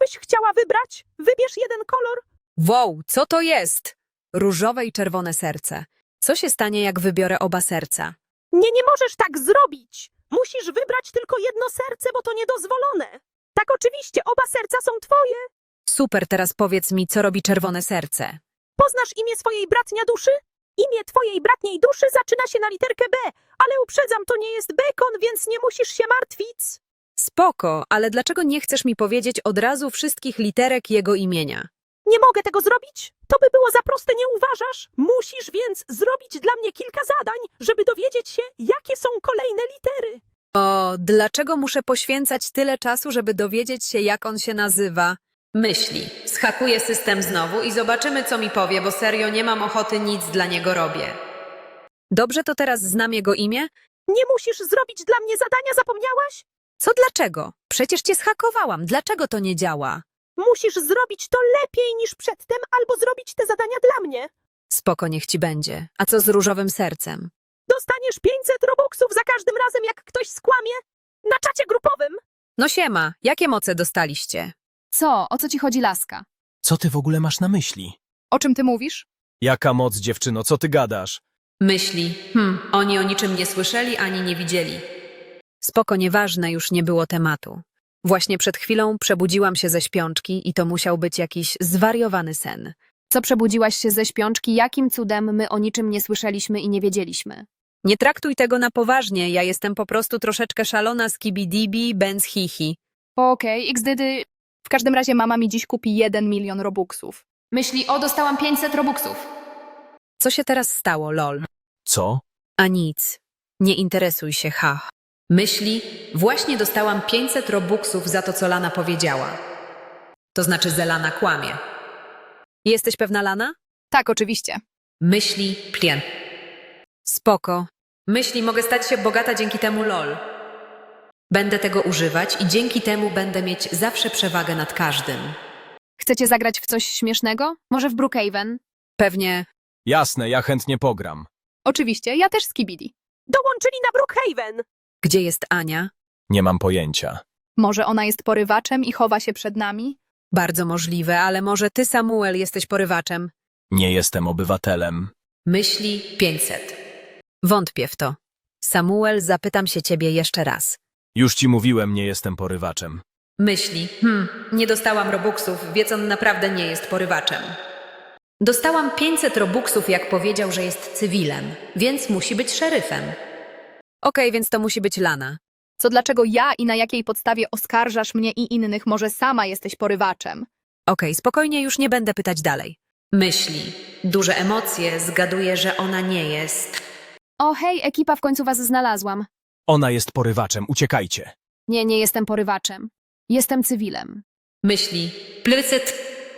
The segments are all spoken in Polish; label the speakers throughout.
Speaker 1: byś chciała wybrać? Wybierz jeden kolor.
Speaker 2: Wow, co to jest? Różowe i czerwone serce. Co się stanie, jak wybiorę oba serca?
Speaker 1: Nie możesz tak zrobić. Musisz wybrać tylko jedno serce, bo to niedozwolone. Tak, oczywiście, oba serca są twoje.
Speaker 2: Super, teraz powiedz mi, co robi czerwone serce.
Speaker 1: Poznasz imię swojej bratnia duszy? Imię twojej bratniej duszy zaczyna się na literkę B, ale uprzedzam, to nie jest bekon, więc nie musisz się martwić.
Speaker 2: Spoko, ale dlaczego nie chcesz mi powiedzieć od razu wszystkich literek jego imienia?
Speaker 1: Nie mogę tego zrobić? To by było za proste, nie uważasz? Musisz więc zrobić dla mnie kilka zadań, żeby dowiedzieć się, jakie są kolejne litery.
Speaker 2: O, dlaczego muszę poświęcać tyle czasu, żeby dowiedzieć się, jak on się nazywa? Myśli. Schakuję system znowu i zobaczymy, co mi powie, bo serio nie mam ochoty, nic dla niego robię. Dobrze, to teraz znam jego imię?
Speaker 1: Nie musisz zrobić dla mnie zadania, zapomniałaś?
Speaker 2: Co dlaczego? Przecież cię schakowałam, dlaczego to nie działa?
Speaker 1: Musisz zrobić to lepiej niż przedtem, albo zrobić te zadania dla mnie.
Speaker 2: Spoko, niech ci będzie. A co z różowym sercem?
Speaker 1: Dostaniesz 500 robuxów za każdym razem, jak ktoś skłamie. Na czacie grupowym.
Speaker 2: No siema, jakie moce dostaliście?
Speaker 3: Co? O co ci chodzi, laska?
Speaker 4: Co ty w ogóle masz na myśli?
Speaker 3: O czym ty mówisz?
Speaker 4: Jaka moc, dziewczyno, co ty gadasz?
Speaker 2: Myśli. Oni o niczym nie słyszeli ani nie widzieli. Spoko, nieważne, już nie było tematu. Właśnie przed chwilą przebudziłam się ze śpiączki i to musiał być jakiś zwariowany sen.
Speaker 3: Co przebudziłaś się ze śpiączki? Jakim cudem my o niczym nie słyszeliśmy i nie wiedzieliśmy?
Speaker 2: Nie traktuj tego na poważnie, ja jestem po prostu troszeczkę szalona z kibidibi, benz hihi.
Speaker 3: Okej, xdydy. W każdym razie mama mi dziś kupi 1 milion robuxów. Myśli, o, dostałam 500 robuxów.
Speaker 2: Co się teraz stało, lol?
Speaker 4: Co?
Speaker 2: A nic. Nie interesuj się, ha. Myśli, właśnie dostałam 500 robuxów za to, co Lana powiedziała. To znaczy, że Lana kłamie. Jesteś pewna, Lana?
Speaker 3: Tak, oczywiście.
Speaker 2: Myśli, plien. Spoko. Myśli, mogę stać się bogata dzięki temu, lol. Będę tego używać i dzięki temu będę mieć zawsze przewagę nad każdym.
Speaker 3: Chcecie zagrać w coś śmiesznego? Może w Brookhaven?
Speaker 2: Pewnie.
Speaker 4: Jasne, ja chętnie pogram.
Speaker 3: Oczywiście, ja też z Kibidi.
Speaker 1: Dołączyli na Brookhaven.
Speaker 2: Gdzie jest Ania?
Speaker 4: Nie mam pojęcia.
Speaker 3: Może ona jest porywaczem i chowa się przed nami?
Speaker 2: Bardzo możliwe, ale może ty, Samuel, jesteś porywaczem.
Speaker 4: Nie jestem obywatelem.
Speaker 2: Myśli 500. Wątpię w to. Samuel, zapytam się ciebie jeszcze raz.
Speaker 4: Już ci mówiłem, nie jestem porywaczem.
Speaker 2: Myśli, nie dostałam robuxów, więc on naprawdę nie jest porywaczem. Dostałam 500 robuxów, jak powiedział, że jest cywilem, więc musi być szeryfem. Okej, więc to musi być Lana.
Speaker 3: Co dlaczego ja i na jakiej podstawie oskarżasz mnie i innych? Może sama jesteś porywaczem?
Speaker 2: Okej, spokojnie, już nie będę pytać dalej. Myśli, duże emocje, zgaduję, że ona nie jest.
Speaker 3: O hej, ekipa, w końcu was znalazłam.
Speaker 4: Ona jest porywaczem, uciekajcie.
Speaker 3: Nie jestem porywaczem. Jestem cywilem.
Speaker 2: Myśli, plycyt.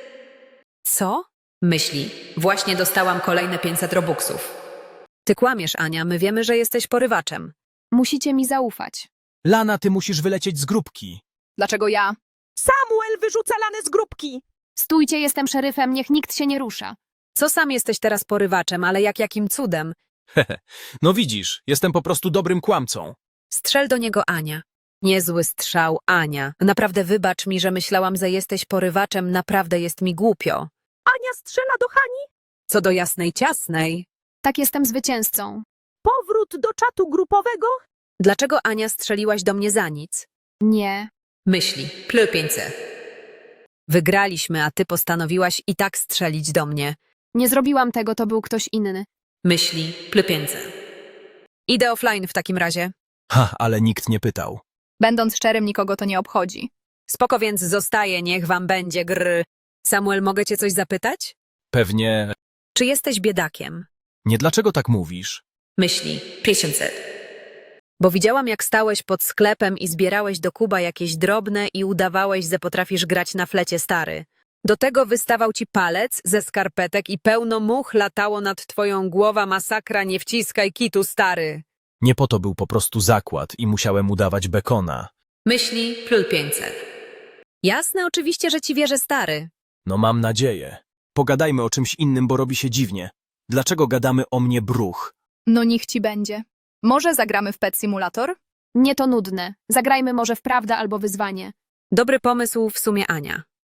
Speaker 2: Co? Myśli, właśnie dostałam kolejne 500 robuxów. Ty kłamiesz, Ania, my wiemy, że jesteś porywaczem.
Speaker 3: Musicie mi zaufać.
Speaker 4: Lana, ty musisz wylecieć z grupki.
Speaker 3: Dlaczego ja?
Speaker 1: Samuel wyrzuca Lanę z grupki.
Speaker 3: Stójcie, jestem szeryfem, niech nikt się nie rusza.
Speaker 2: Co sam jesteś teraz porywaczem, ale jakim cudem?
Speaker 4: No widzisz, jestem po prostu dobrym kłamcą.
Speaker 2: Strzel do niego, Ania. Niezły strzał, Ania. Naprawdę wybacz mi, że myślałam, że jesteś porywaczem, naprawdę jest mi głupio.
Speaker 1: Ania strzela do Hani.
Speaker 2: Co do jasnej ciasnej.
Speaker 3: Tak, jestem zwycięzcą.
Speaker 1: Powrót do czatu grupowego.
Speaker 2: Dlaczego, Ania, strzeliłaś do mnie za nic?
Speaker 3: Nie.
Speaker 2: Myśli, ply 500. Wygraliśmy, a ty postanowiłaś i tak strzelić do mnie.
Speaker 3: Nie zrobiłam tego, to był ktoś inny.
Speaker 2: Myśli, ply 500. Idę offline w takim razie.
Speaker 4: Ha, ale nikt nie pytał.
Speaker 3: Będąc szczerym, nikogo to nie obchodzi.
Speaker 2: Spoko, więc zostaję, niech wam będzie gry. Samuel, mogę cię coś zapytać?
Speaker 4: Pewnie...
Speaker 2: Czy jesteś biedakiem?
Speaker 4: Nie, dlaczego tak mówisz?
Speaker 2: Myśli, 500. Bo widziałam, jak stałeś pod sklepem i zbierałeś do kuba jakieś drobne i udawałeś, że potrafisz grać na flecie, stary. Do tego wystawał ci palec ze skarpetek i pełno much latało nad twoją głową, masakra, nie wciskaj kitu, stary.
Speaker 4: Nie po to był po prostu zakład i musiałem udawać bekona.
Speaker 2: Myśli, plul 500. Jasne, oczywiście, że ci wierzę, stary.
Speaker 4: No mam nadzieję. Pogadajmy o czymś innym, bo robi się dziwnie. Dlaczego gadamy o mnie bruch?
Speaker 3: No niech ci będzie. Może zagramy w Pet Simulator? Nie, to nudne. Zagrajmy może w prawdę albo wyzwanie.
Speaker 2: Dobry pomysł w sumie, Ania.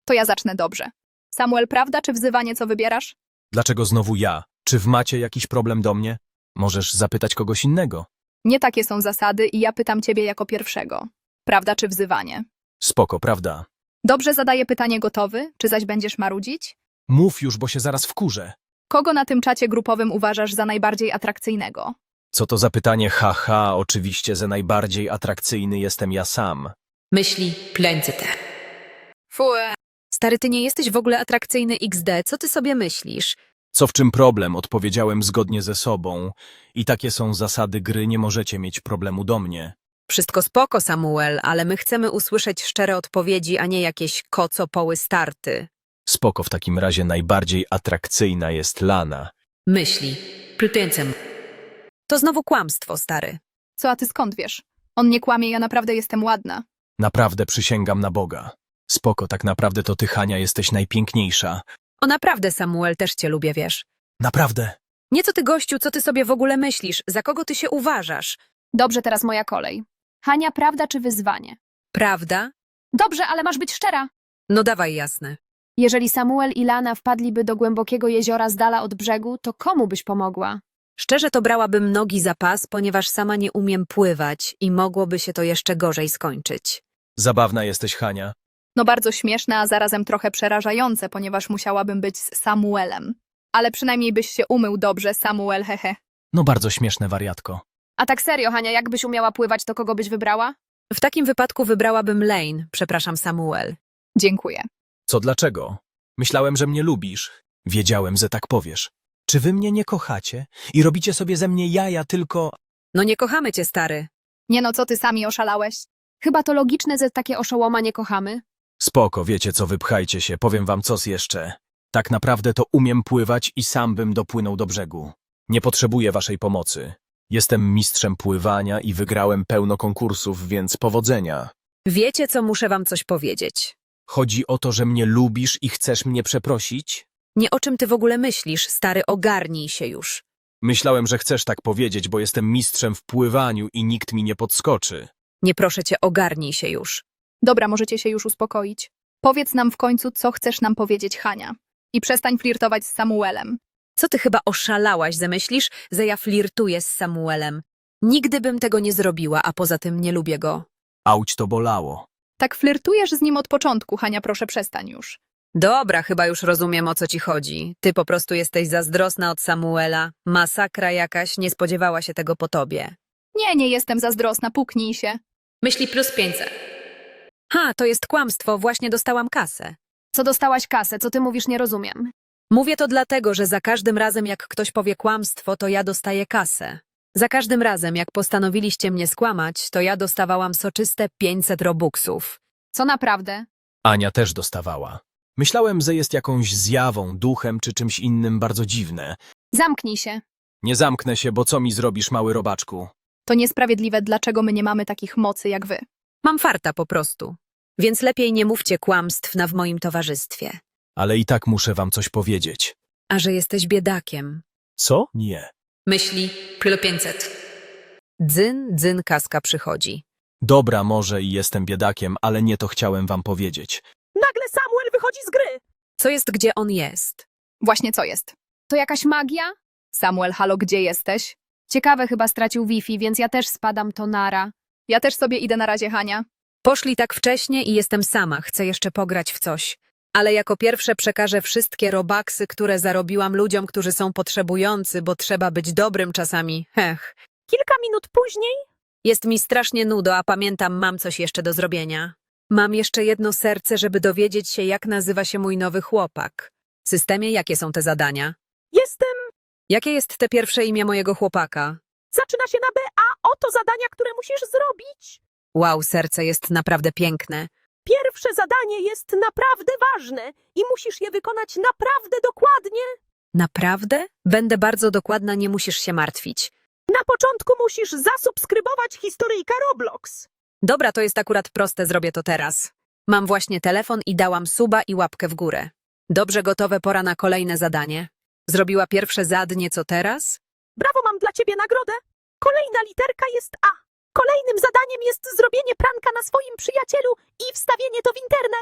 Speaker 3: To ja zacznę dobrze. Samuel, prawda czy wzywanie, co wybierasz?
Speaker 4: Dlaczego znowu ja? Czy macie jakiś problem do mnie? Możesz zapytać kogoś innego.
Speaker 3: Nie takie są zasady i ja pytam ciebie jako pierwszego. Prawda czy wzywanie?
Speaker 4: Spoko, prawda?
Speaker 3: Dobrze, zadaję pytanie, gotowy? Czy zaś będziesz marudzić?
Speaker 4: Mów już, bo się zaraz wkurzę.
Speaker 3: Kogo na tym czacie grupowym uważasz za najbardziej atrakcyjnego?
Speaker 4: Co to za pytanie? Haha, oczywiście, że najbardziej atrakcyjny jestem ja sam.
Speaker 2: Myśli 500.
Speaker 3: Fue.
Speaker 2: Stary, ty nie jesteś w ogóle atrakcyjny XD, co ty sobie myślisz?
Speaker 4: Co w czym problem? Odpowiedziałem zgodnie ze sobą. I takie są zasady gry, nie możecie mieć problemu do mnie.
Speaker 2: Wszystko spoko, Samuel, ale my chcemy usłyszeć szczere odpowiedzi, a nie jakieś kocopoły starty.
Speaker 4: Spoko, w takim razie najbardziej atrakcyjna jest Lana.
Speaker 2: Myśli 500. To znowu kłamstwo, stary.
Speaker 3: Co, a ty skąd wiesz? On nie kłamie, ja naprawdę jestem ładna.
Speaker 4: Naprawdę przysięgam na Boga. Spoko, tak naprawdę to ty, Hania, jesteś najpiękniejsza.
Speaker 2: O naprawdę, Samuel, też cię lubię, wiesz.
Speaker 4: Naprawdę.
Speaker 2: Nie co ty, gościu, co ty sobie w ogóle myślisz? Za kogo ty się uważasz?
Speaker 3: Dobrze, teraz moja kolej. Hania, prawda czy wyzwanie?
Speaker 2: Prawda?
Speaker 3: Dobrze, ale masz być szczera.
Speaker 2: No dawaj, jasne.
Speaker 5: Jeżeli Samuel i Lana wpadliby do głębokiego jeziora z dala od brzegu, to komu byś pomogła?
Speaker 2: Szczerze to brałabym nogi za pas, ponieważ sama nie umiem pływać i mogłoby się to jeszcze gorzej skończyć.
Speaker 4: Zabawna jesteś, Hania.
Speaker 3: No bardzo śmieszne, a zarazem trochę przerażające, ponieważ musiałabym być z Samuelem. Ale przynajmniej byś się umył dobrze, Samuel, hehe.
Speaker 4: No bardzo śmieszne, wariatko.
Speaker 5: A tak serio, Hania, jakbyś umiała pływać, to kogo byś wybrała?
Speaker 2: W takim wypadku wybrałabym Lane, przepraszam, Samuel.
Speaker 3: Dziękuję.
Speaker 4: Co, dlaczego? Myślałem, że mnie lubisz. Wiedziałem, że tak powiesz. Czy wy mnie nie kochacie i robicie sobie ze mnie jaja tylko...
Speaker 2: No nie kochamy cię, stary.
Speaker 3: Nie no, co ty sami oszalałeś?
Speaker 5: Chyba to logiczne, że takie oszołoma nie kochamy.
Speaker 4: Spoko, wiecie co, wypchajcie się, powiem wam coś jeszcze. Tak naprawdę to umiem pływać i sam bym dopłynął do brzegu. Nie potrzebuję waszej pomocy. Jestem mistrzem pływania i wygrałem pełno konkursów, więc powodzenia.
Speaker 2: Wiecie co, muszę wam coś powiedzieć.
Speaker 4: Chodzi o to, że mnie lubisz i chcesz mnie przeprosić?
Speaker 2: Nie o czym ty w ogóle myślisz, stary, ogarnij się już.
Speaker 4: Myślałem, że chcesz tak powiedzieć, bo jestem mistrzem w pływaniu i nikt mi nie podskoczy.
Speaker 2: Nie proszę cię, ogarnij się już.
Speaker 3: Dobra, możecie się już uspokoić. Powiedz nam w końcu, co chcesz nam powiedzieć, Hania. I przestań flirtować z Samuelem.
Speaker 2: Co ty chyba oszalałaś, zamyślisz, że ja flirtuję z Samuelem? Nigdy bym tego nie zrobiła, a poza tym nie lubię go.
Speaker 4: Auć to bolało.
Speaker 3: Tak flirtujesz z nim od początku, Hania, proszę przestań już.
Speaker 2: Dobra, chyba już rozumiem, o co ci chodzi. Ty po prostu jesteś zazdrosna od Samuela. Masakra jakaś, nie spodziewała się tego po tobie.
Speaker 3: Nie jestem zazdrosna, puknij się.
Speaker 2: Myśli plus 500. Ha, to jest kłamstwo, właśnie dostałam kasę.
Speaker 5: Co dostałaś kasę, co ty mówisz, nie rozumiem.
Speaker 2: Mówię to dlatego, że za każdym razem, jak ktoś powie kłamstwo, to ja dostaję kasę. Za każdym razem, jak postanowiliście mnie skłamać, to ja dostawałam soczyste 500 robuxów.
Speaker 5: Co naprawdę?
Speaker 4: Ania też dostawała. Myślałem, że jest jakąś zjawą, duchem czy czymś innym bardzo dziwne.
Speaker 5: Zamknij się.
Speaker 4: Nie zamknę się, bo co mi zrobisz, mały robaczku?
Speaker 3: To niesprawiedliwe, dlaczego my nie mamy takich mocy jak wy.
Speaker 2: Mam farta po prostu. Więc lepiej nie mówcie kłamstw w moim towarzystwie.
Speaker 4: Ale i tak muszę wam coś powiedzieć.
Speaker 2: A że jesteś biedakiem.
Speaker 4: Co? Nie.
Speaker 2: Myśli plus 500. Dzyn, dzyn, kaska przychodzi.
Speaker 4: Dobra, może i jestem biedakiem, ale nie to chciałem wam powiedzieć.
Speaker 1: Nagle Samuel wychodzi z gry.
Speaker 2: Co jest, gdzie on jest?
Speaker 3: Właśnie co jest?
Speaker 5: To jakaś magia?
Speaker 3: Samuel, halo, gdzie jesteś?
Speaker 5: Ciekawe, chyba stracił Wi-Fi, więc ja też spadam, to nara.
Speaker 3: Ja też sobie idę na razie, Hania.
Speaker 2: Poszli tak wcześnie i jestem sama, chcę jeszcze pograć w coś. Ale jako pierwsze przekażę wszystkie robaksy, które zarobiłam ludziom, którzy są potrzebujący, bo trzeba być dobrym czasami. Hech.
Speaker 1: Kilka minut później
Speaker 2: Jest mi strasznie nudo, a pamiętam, mam coś jeszcze do zrobienia. Mam jeszcze jedno serce, żeby dowiedzieć się, jak nazywa się mój nowy chłopak. W systemie jakie są te zadania?
Speaker 1: jestem...
Speaker 2: Jakie jest te pierwsze imię mojego chłopaka?
Speaker 1: Zaczyna się na B, a oto zadania, które musisz zrobić.
Speaker 2: Wow, serce jest naprawdę piękne.
Speaker 1: Pierwsze zadanie jest naprawdę ważne i musisz je wykonać naprawdę dokładnie.
Speaker 2: Naprawdę? Będę bardzo dokładna, nie musisz się martwić.
Speaker 1: Na początku musisz zasubskrybować historyjka Roblox.
Speaker 2: Dobra, to jest akurat proste, zrobię to teraz. Mam właśnie telefon i dałam suba i łapkę w górę. Dobrze, gotowe, pora na kolejne zadanie. Zrobiła pierwsze zadnie, co teraz?
Speaker 1: Brawo, mam dla ciebie nagrodę. Kolejna literka jest A. Kolejnym zadaniem jest zrobienie pranka na swoim przyjacielu i wstawienie to w internet.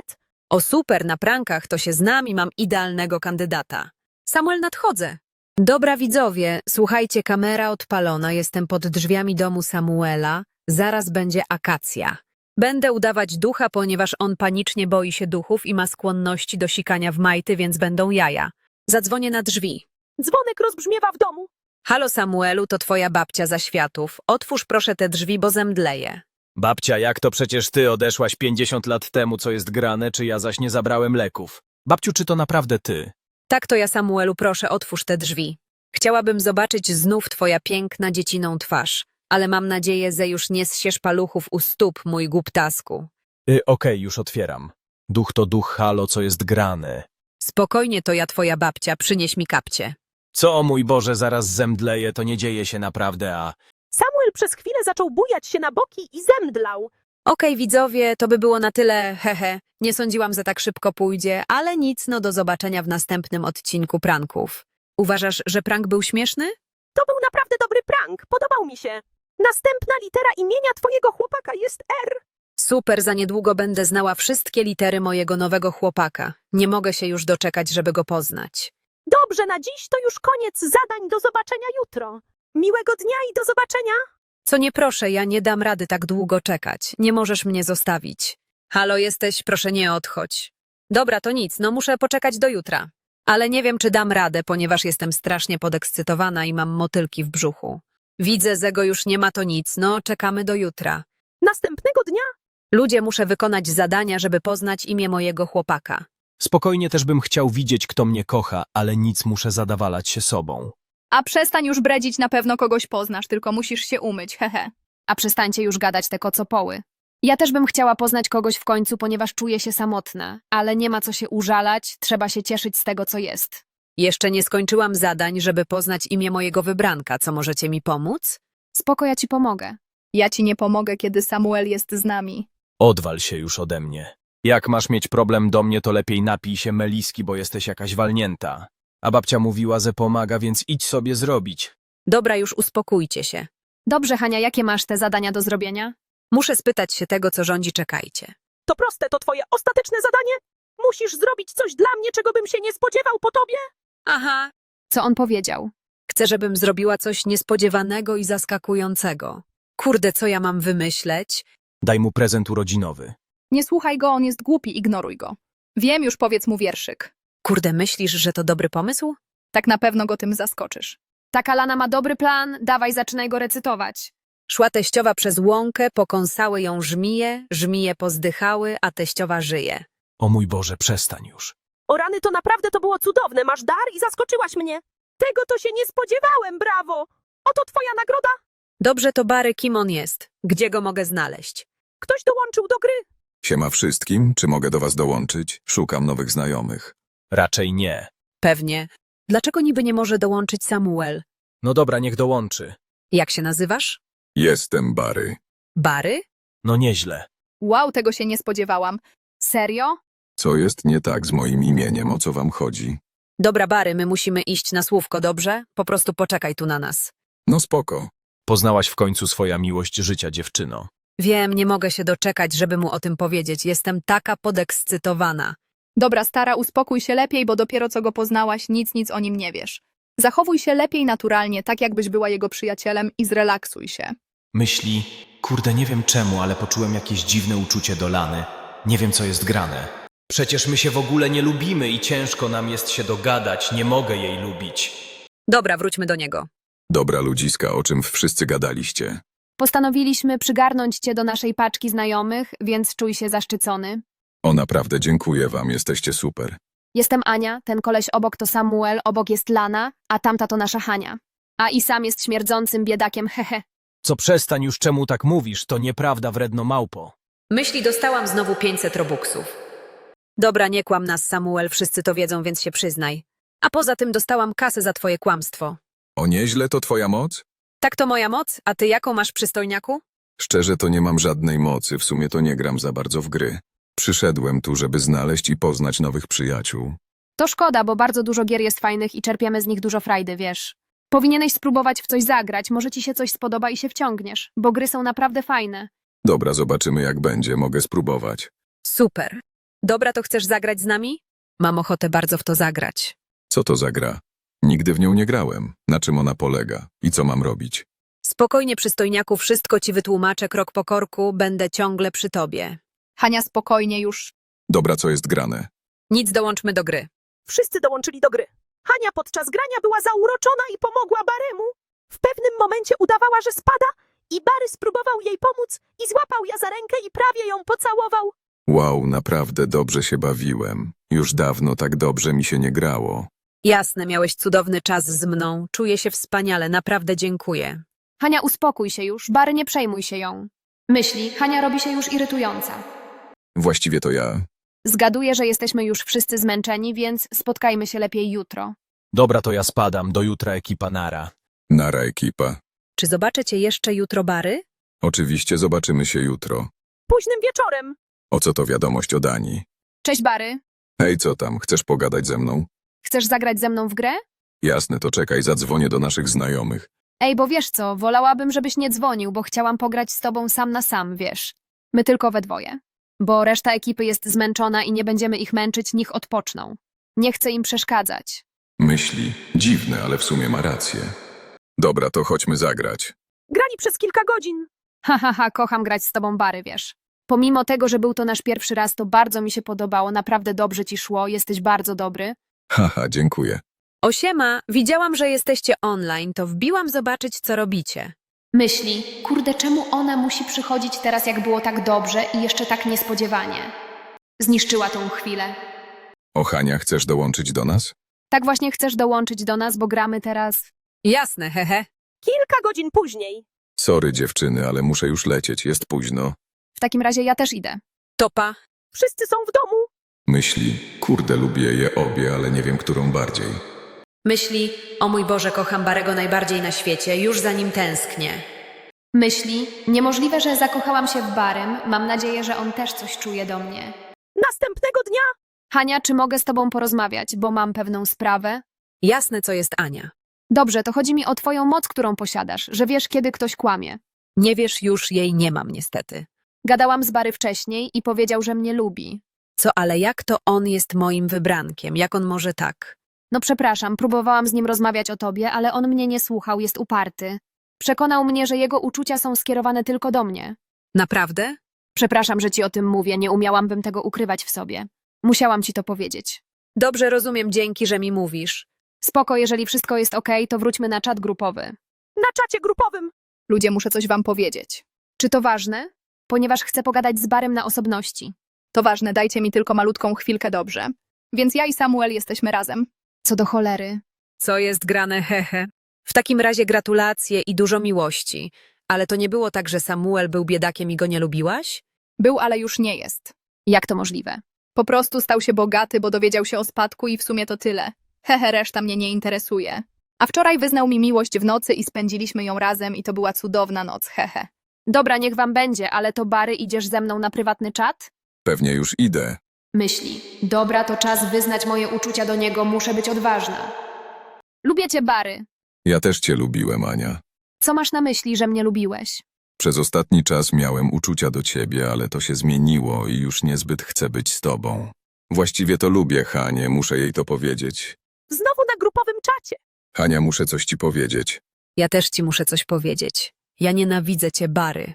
Speaker 2: O super, na prankach to się znam i mam idealnego kandydata. Samuel, nadchodzę. Dobra widzowie, słuchajcie, kamera odpalona, jestem pod drzwiami domu Samuela, zaraz będzie akacja. Będę udawać ducha, ponieważ on panicznie boi się duchów i ma skłonności do sikania w majty, więc będą jaja. Zadzwonię na drzwi.
Speaker 1: Dzwonek rozbrzmiewa w domu.
Speaker 2: Halo Samuelu, to twoja babcia za światów. Otwórz proszę te drzwi, bo zemdleję.
Speaker 4: Babcia, jak to przecież ty odeszłaś 50 lat temu, co jest grane, czy ja zaś nie zabrałem leków? Babciu, czy to naprawdę ty?
Speaker 2: Tak to ja, Samuelu, proszę, otwórz te drzwi. Chciałabym zobaczyć znów twoja piękna dzieciną twarz, ale mam nadzieję, że już nie zsiesz paluchów u stóp, mój głuptasku.
Speaker 4: Okej, już otwieram. Duch to duch, halo, co jest grane.
Speaker 2: Spokojnie, to ja, twoja babcia, przynieś mi kapcie.
Speaker 4: Co, mój Boże, zaraz zemdleję, to nie dzieje się naprawdę, a...
Speaker 1: Samuel przez chwilę zaczął bujać się na boki i zemdlał.
Speaker 2: Okej, widzowie, to by było na tyle, hehe. Nie sądziłam, że tak szybko pójdzie, ale nic, no do zobaczenia w następnym odcinku pranków. Uważasz, że prank był śmieszny?
Speaker 1: To był naprawdę dobry prank, podobał mi się. Następna litera imienia twojego chłopaka jest R.
Speaker 2: Super, za niedługo będę znała wszystkie litery mojego nowego chłopaka. Nie mogę się już doczekać, żeby go poznać.
Speaker 1: Dobrze, na dziś to już koniec zadań, do zobaczenia jutro. Miłego dnia i do zobaczenia.
Speaker 2: Co nie proszę, ja nie dam rady tak długo czekać. Nie możesz mnie zostawić. Halo, jesteś? Proszę nie odchodź. Dobra, to nic, no muszę poczekać do jutra. Ale nie wiem, czy dam radę, ponieważ jestem strasznie podekscytowana i mam motylki w brzuchu. Widzę, że go już nie ma, to nic, no czekamy do jutra.
Speaker 1: Następnego dnia
Speaker 2: Ludzie, muszę wykonać zadania, żeby poznać imię mojego chłopaka.
Speaker 4: Spokojnie też bym chciał widzieć, kto mnie kocha, ale nic, muszę zadawalać się sobą.
Speaker 3: A przestań już bredzić, na pewno kogoś poznasz, tylko musisz się umyć, hehe.
Speaker 5: A przestańcie już gadać te kocopoły. Ja też bym chciała poznać kogoś w końcu, ponieważ czuję się samotna, ale nie ma co się użalać, trzeba się cieszyć z tego, co jest.
Speaker 2: Jeszcze nie skończyłam zadań, żeby poznać imię mojego wybranka. Co, możecie mi pomóc?
Speaker 5: Spoko, ja ci pomogę.
Speaker 3: Ja ci nie pomogę, kiedy Samuel jest z nami.
Speaker 4: Odwal się już ode mnie. Jak masz mieć problem do mnie, to lepiej napij się meliski, bo jesteś jakaś walnięta. A babcia mówiła, że pomaga, więc idź sobie zrobić.
Speaker 2: Dobra, już uspokójcie się.
Speaker 5: Dobrze, Hania, jakie masz te zadania do zrobienia?
Speaker 2: Muszę spytać się tego, co rządzi, czekajcie.
Speaker 1: to proste, to twoje ostateczne zadanie. Musisz zrobić coś dla mnie, czego bym się nie spodziewał po tobie.
Speaker 2: Aha.
Speaker 5: Co on powiedział?
Speaker 2: Chcę, żebym zrobiła coś niespodziewanego i zaskakującego. Kurde, co ja mam wymyśleć?
Speaker 4: Daj mu prezent urodzinowy.
Speaker 3: Nie słuchaj go, on jest głupi, ignoruj go. Wiem, już powiedz mu wierszyk.
Speaker 2: Kurde, myślisz, że to dobry pomysł?
Speaker 3: Tak na pewno go tym zaskoczysz.
Speaker 5: Taka Lana ma dobry plan, dawaj, zaczynaj go recytować.
Speaker 2: Szła teściowa przez łąkę, pokąsały ją żmije, żmije pozdychały, a teściowa żyje.
Speaker 4: O mój Boże, przestań już.
Speaker 1: O rany, to naprawdę to było cudowne. Masz dar i zaskoczyłaś mnie. Tego to się nie spodziewałem, brawo. Oto twoja nagroda.
Speaker 2: Dobrze, to Bary, kim on jest? Gdzie go mogę znaleźć?
Speaker 1: Ktoś dołączył do gry.
Speaker 6: Siema wszystkim, czy mogę do was dołączyć? Szukam nowych znajomych.
Speaker 4: Raczej nie.
Speaker 2: Pewnie. Dlaczego niby nie może dołączyć Samuel?
Speaker 4: No dobra, niech dołączy.
Speaker 2: Jak się nazywasz?
Speaker 6: Jestem Bary.
Speaker 2: Bary?
Speaker 4: No nieźle.
Speaker 3: Wow, tego się nie spodziewałam.
Speaker 5: Serio?
Speaker 6: Co jest nie tak z moim imieniem, o co wam chodzi?
Speaker 2: Dobra, Bary, my musimy iść na słówko, dobrze? Po prostu poczekaj tu na nas.
Speaker 6: No spoko.
Speaker 4: Poznałaś w końcu swoja miłość życia, dziewczyno.
Speaker 2: Wiem, nie mogę się doczekać, żeby mu o tym powiedzieć. Jestem taka podekscytowana.
Speaker 3: Dobra, stara, uspokój się lepiej, bo dopiero co go poznałaś, nic o nim nie wiesz. Zachowuj się lepiej naturalnie, tak jakbyś była jego przyjacielem i zrelaksuj się.
Speaker 4: Myśli, kurde, nie wiem czemu, ale poczułem jakieś dziwne uczucie do Lany. Nie wiem, co jest grane. Przecież my się w ogóle nie lubimy i ciężko nam jest się dogadać. Nie mogę jej lubić.
Speaker 2: Dobra, wróćmy do niego.
Speaker 6: Dobra ludziska, o czym wszyscy gadaliście?
Speaker 5: Postanowiliśmy przygarnąć cię do naszej paczki znajomych, więc czuj się zaszczycony.
Speaker 6: O naprawdę, dziękuję wam, jesteście super.
Speaker 5: Jestem Ania, ten koleś obok to Samuel, obok jest Lana, a tamta to nasza Hania. A i sam jest śmierdzącym biedakiem, hehe.
Speaker 4: Co, przestań już, czemu tak mówisz? To nieprawda, wredno małpo.
Speaker 2: Myśli, dostałam znowu 500 robuxów. Dobra, nie kłam nas, Samuel, wszyscy to wiedzą, więc się przyznaj. A poza tym dostałam kasę za twoje kłamstwo.
Speaker 6: O nieźle to twoja moc?
Speaker 2: Tak to moja moc, a ty jaką masz, przystojniaku?
Speaker 6: Szczerze to nie mam żadnej mocy, w sumie to nie gram za bardzo w gry. Przyszedłem tu, żeby znaleźć i poznać nowych przyjaciół.
Speaker 5: To szkoda, bo bardzo dużo gier jest fajnych i czerpiemy z nich dużo frajdy, wiesz. Powinieneś spróbować w coś zagrać, może ci się coś spodoba i się wciągniesz, bo gry są naprawdę fajne.
Speaker 6: Dobra, zobaczymy jak będzie, mogę spróbować.
Speaker 2: Super. Dobra, to chcesz zagrać z nami? Mam ochotę bardzo w to zagrać.
Speaker 6: Co to za gra? Nigdy w nią nie grałem. Na czym ona polega? I co mam robić?
Speaker 2: Spokojnie, przystojniaku, wszystko ci wytłumaczę krok po korku, będę ciągle przy tobie.
Speaker 3: Hania, spokojnie już.
Speaker 6: Dobra, co jest grane?
Speaker 2: Nic, dołączmy do gry.
Speaker 1: Wszyscy dołączyli do gry. Hania podczas grania była zauroczona i pomogła Baremu. W pewnym momencie udawała, że spada i Bary spróbował jej pomóc i złapał ją za rękę i prawie ją pocałował.
Speaker 6: Wow, naprawdę dobrze się bawiłem. Już dawno tak dobrze mi się nie grało.
Speaker 2: Jasne, miałeś cudowny czas z mną, czuję się wspaniale, naprawdę dziękuję.
Speaker 5: Hania, uspokój się już, Bary, nie przejmuj się ją. Myśli, Hania robi się już irytująca.
Speaker 6: Właściwie to ja.
Speaker 5: Zgaduję, że jesteśmy już wszyscy zmęczeni, więc spotkajmy się lepiej jutro.
Speaker 4: Dobra, to ja spadam. Do jutra, ekipa, nara.
Speaker 6: Nara, ekipa.
Speaker 2: Czy zobaczę cię jeszcze jutro, Bary?
Speaker 6: Oczywiście zobaczymy się jutro.
Speaker 1: Późnym wieczorem.
Speaker 6: O co to wiadomość od Ani?
Speaker 5: Cześć, Bary.
Speaker 6: Hej, co tam? Chcesz pogadać ze mną?
Speaker 5: Chcesz zagrać ze mną w grę?
Speaker 6: Jasne, to czekaj, zadzwonię do naszych znajomych.
Speaker 5: Ej, bo wiesz co, wolałabym, żebyś nie dzwonił, bo chciałam pograć z tobą sam na sam, wiesz. My tylko we dwoje. Bo reszta ekipy jest zmęczona i nie będziemy ich męczyć, niech odpoczną. Nie chcę im przeszkadzać.
Speaker 6: Myśli. Dziwne, ale w sumie ma rację. Dobra, to chodźmy zagrać.
Speaker 1: Grali przez kilka godzin.
Speaker 5: Kocham grać z tobą, Bary, wiesz. Pomimo tego, że był to nasz pierwszy raz, to bardzo mi się podobało, naprawdę dobrze ci szło, jesteś bardzo dobry.
Speaker 6: Haha, dziękuję.
Speaker 2: Osiema, widziałam, że jesteście online, to wbiłam zobaczyć, co robicie.
Speaker 5: Myśli, kurde, czemu ona musi przychodzić teraz, jak było tak dobrze i jeszcze tak niespodziewanie? Zniszczyła tą chwilę.
Speaker 6: O, Hania, chcesz dołączyć do nas?
Speaker 5: Tak właśnie chcesz dołączyć do nas, bo gramy teraz...
Speaker 2: Jasne, hehe.
Speaker 1: Kilka godzin później.
Speaker 6: Sorry, dziewczyny, ale muszę już lecieć, jest późno.
Speaker 5: W takim razie ja też idę.
Speaker 2: Topa.
Speaker 1: Wszyscy są w domu.
Speaker 6: Myśli. Kurde, lubię je obie, ale nie wiem, którą bardziej.
Speaker 2: Myśli, o mój Boże, kocham Barego najbardziej na świecie, już za nim tęsknię.
Speaker 5: Myśli, niemożliwe, że zakochałam się w Barym, mam nadzieję, że on też coś czuje do mnie.
Speaker 1: Następnego dnia.
Speaker 5: Hania, czy mogę z tobą porozmawiać, bo mam pewną sprawę?
Speaker 2: Jasne, co jest Ania.
Speaker 5: Dobrze, to chodzi mi o twoją moc, którą posiadasz, że wiesz, kiedy ktoś kłamie.
Speaker 2: Nie wiesz, już jej nie mam niestety.
Speaker 5: Gadałam z Bary wcześniej i powiedział, że mnie lubi.
Speaker 2: Co, ale jak to on jest moim wybrankiem? Jak on może tak?
Speaker 5: No przepraszam, próbowałam z nim rozmawiać o tobie, ale on mnie nie słuchał, jest uparty. Przekonał mnie, że jego uczucia są skierowane tylko do mnie.
Speaker 2: Naprawdę?
Speaker 5: Przepraszam, że ci o tym mówię, nie umiałabym tego ukrywać w sobie. Musiałam ci to powiedzieć.
Speaker 2: Dobrze rozumiem, dzięki, że mi mówisz.
Speaker 5: Spoko, jeżeli wszystko jest okej, to wróćmy na czat grupowy.
Speaker 1: Na czacie grupowym.
Speaker 3: Ludzie, muszę coś wam powiedzieć.
Speaker 5: Czy to ważne? Ponieważ chcę pogadać z Barym na osobności.
Speaker 3: To ważne, dajcie mi tylko malutką chwilkę, dobrze? Więc ja i Samuel jesteśmy razem.
Speaker 5: Co do cholery.
Speaker 2: Co jest grane, hehe. W takim razie gratulacje i dużo miłości. Ale to nie było tak, że Samuel był biedakiem i go nie lubiłaś?
Speaker 3: Był, ale już nie jest.
Speaker 5: Jak to możliwe?
Speaker 3: Po prostu stał się bogaty, bo dowiedział się o spadku i w sumie to tyle. Hehe, reszta mnie nie interesuje. A wczoraj wyznał mi miłość w nocy i spędziliśmy ją razem i to była cudowna noc, hehe.
Speaker 5: Dobra, niech wam będzie, ale to Bary, idziesz ze mną na prywatny czat?
Speaker 6: Pewnie już idę.
Speaker 5: Myśli. Dobra, to czas wyznać moje uczucia do niego, muszę być odważna. Lubię cię, Bary.
Speaker 6: Ja też cię lubiłem, Ania.
Speaker 5: Co masz na myśli, że mnie lubiłeś?
Speaker 6: Przez ostatni czas miałem uczucia do ciebie, ale to się zmieniło i już niezbyt chcę być z tobą. Właściwie to lubię Hanię, muszę jej to powiedzieć.
Speaker 1: Znowu na grupowym czacie.
Speaker 6: Hania, muszę coś ci powiedzieć.
Speaker 2: Ja też ci muszę coś powiedzieć. Ja nienawidzę cię, Bary.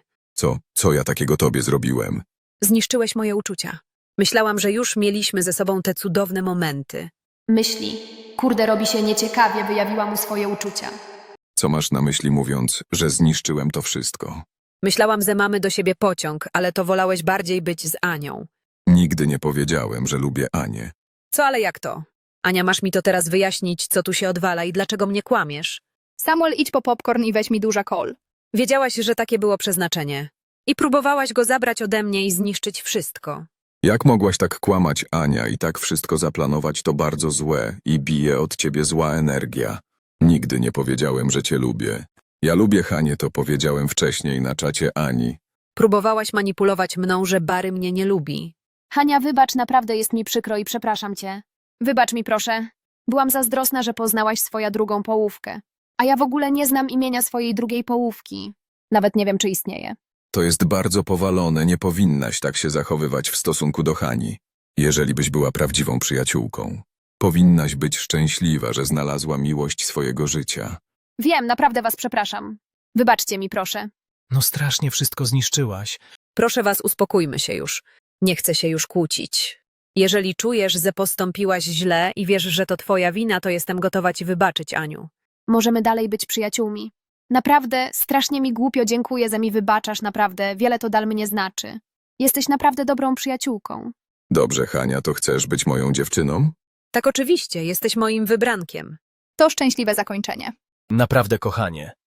Speaker 6: Co ja takiego tobie zrobiłem?
Speaker 2: Zniszczyłeś moje uczucia. Myślałam, że już mieliśmy ze sobą te cudowne momenty.
Speaker 5: Myśli. Kurde, robi się nieciekawie, wyjawiła mu swoje uczucia.
Speaker 6: Co masz na myśli mówiąc, że zniszczyłem to wszystko?
Speaker 2: Myślałam, że mamy do siebie pociąg, ale to wolałeś bardziej być z Anią.
Speaker 6: Nigdy nie powiedziałem, że lubię Anię.
Speaker 2: Co, ale jak to? Ania, masz mi to teraz wyjaśnić, co tu się odwala i dlaczego mnie kłamiesz?
Speaker 3: Samuel, idź po popcorn i weź mi duża kol.
Speaker 2: Wiedziałaś, że takie było przeznaczenie. I próbowałaś go zabrać ode mnie i zniszczyć wszystko.
Speaker 6: Jak mogłaś tak kłamać, Ania, i tak wszystko zaplanować, to bardzo złe i bije od ciebie zła energia. Nigdy nie powiedziałem, że cię lubię. Ja lubię Hanię, to powiedziałem wcześniej na czacie Ani.
Speaker 2: Próbowałaś manipulować mną, że Bary mnie nie lubi.
Speaker 5: Hania, wybacz, naprawdę jest mi przykro i przepraszam cię. Wybacz mi, proszę. Byłam zazdrosna, że poznałaś swoją drugą połówkę. A ja w ogóle nie znam imienia swojej drugiej połówki. Nawet nie wiem, czy istnieje.
Speaker 6: To jest bardzo powalone, nie powinnaś tak się zachowywać w stosunku do Hani. Jeżeli byś była prawdziwą przyjaciółką, powinnaś być szczęśliwa, że znalazła miłość swojego życia.
Speaker 5: Wiem, naprawdę was przepraszam. Wybaczcie mi, proszę.
Speaker 4: No strasznie wszystko zniszczyłaś.
Speaker 2: Proszę was, uspokójmy się już. Nie chcę się już kłócić. Jeżeli czujesz, że postąpiłaś źle i wiesz, że to twoja wina, to jestem gotowa ci wybaczyć, Aniu.
Speaker 5: Możemy dalej być przyjaciółmi. Naprawdę, strasznie mi głupio, dziękuję, że mi wybaczasz, naprawdę, wiele to dla mnie znaczy. Jesteś naprawdę dobrą przyjaciółką.
Speaker 6: Dobrze, Hania, to chcesz być moją dziewczyną?
Speaker 2: Tak, oczywiście, jesteś moim wybrankiem.
Speaker 3: To szczęśliwe zakończenie.
Speaker 4: Naprawdę, kochanie.